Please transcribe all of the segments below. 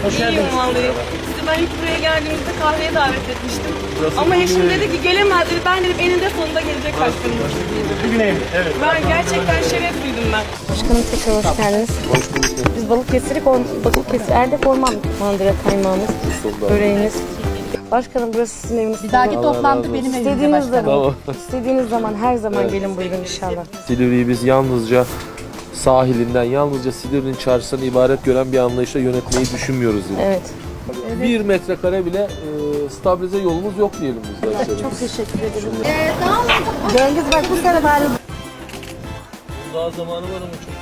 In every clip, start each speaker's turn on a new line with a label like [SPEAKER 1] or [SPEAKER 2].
[SPEAKER 1] Hoş geldiniz.
[SPEAKER 2] İyiyim vallahi. Sizi ben ilk buraya geldiğimizde kahveye davet etmiştim. Ama eşim dedi ki gelemez dedi. Ben dedim eninde sonunda gelecek başkanım.
[SPEAKER 1] Güneyim. Evet.
[SPEAKER 2] Ben gerçekten şeref duydum ben.
[SPEAKER 3] Başkanım tekrar hoş geldiniz.
[SPEAKER 1] Hoş bulduk.
[SPEAKER 3] Biz Balıkesir Erdek Orman Mandıra kaymağımız, böreğiniz. Başkanım burası sizin eviniz.
[SPEAKER 4] Bir dahaki toplantı benim evimde
[SPEAKER 3] İstediğiniz
[SPEAKER 4] başkanım.
[SPEAKER 3] zaman, istediğiniz zaman her zaman gelin buyurun inşallah.
[SPEAKER 5] Silivri'yi biz yalnızca sahilinden, yalnızca Silivri'nin çarşısından ibaret gören bir anlayışla yönetmeyi düşünmüyoruz. Yani.
[SPEAKER 3] Evet.
[SPEAKER 5] 1 metrekare bile stabilize yolumuz yok diyelim biz de.
[SPEAKER 3] Çok teşekkür ederim. Cengiz bak bu sene bari.
[SPEAKER 5] Daha zamanı var ama çok.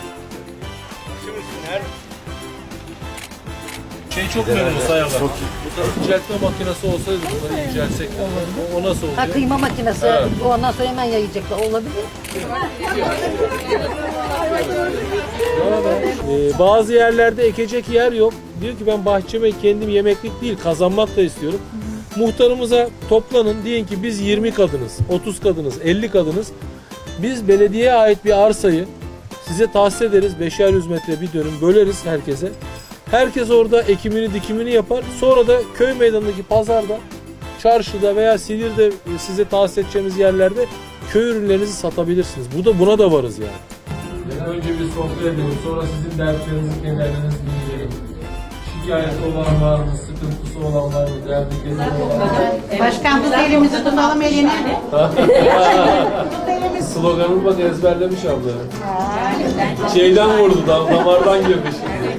[SPEAKER 1] Çok memnunuz sayarlar.
[SPEAKER 5] Bu da inceltme makinesi olsaydı bunları incelsek o nasıl oluyor?
[SPEAKER 4] Ha, kıyma makinesi. Ondan sonra hemen yayacaklar. Olabilir.
[SPEAKER 5] Bazı yerlerde ekecek yer yok. Diyor ki ben bahçeme kendim yemeklik değil kazanmak da istiyorum. Muhtarımıza toplanın. Diyin ki biz 20 kadınız, 30 kadınız, 50 kadınız. Biz belediyeye ait bir arsayı size tahsis ederiz. 5'er 100 metre bir dönüm böleriz herkese. Herkes orada ekimini dikimini yapar. Sonra da köy meydanındaki pazarda, çarşıda veya Silivri'de size tahsis edeceğimiz yerlerde köy ürünlerinizi satabilirsiniz. Buna da varız yani. Önce bir sohbet edelim. Sonra sizin dertlerinizi, kederlerinizi dinleyelim. Şikayeti olan var mı? Sıkıntısı olan var mı? Derdi kederi olan var mı?
[SPEAKER 4] Başkan bu elimizi tutalım elini.
[SPEAKER 5] Sloganını bak ezberlemiş abla. Şeyden vurdu, damardan girmiş.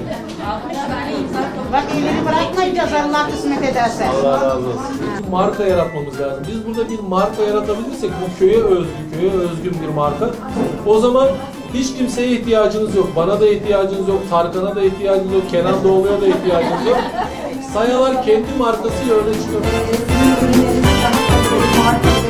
[SPEAKER 4] Bak elini bırakmayacağız Allah kısmet ederse.
[SPEAKER 5] Allah razı olsun. Marka yaratmamız lazım. Biz burada bir marka yaratabilirsek bu köye özgün bir marka. O zaman hiç kimseye ihtiyacınız yok. Bana da ihtiyacınız yok. Tarkan'a da ihtiyacınız yok. Kenan Doğulu'ya da ihtiyacınız yok. Sayalar kendi markasıyla öne çıkıyor.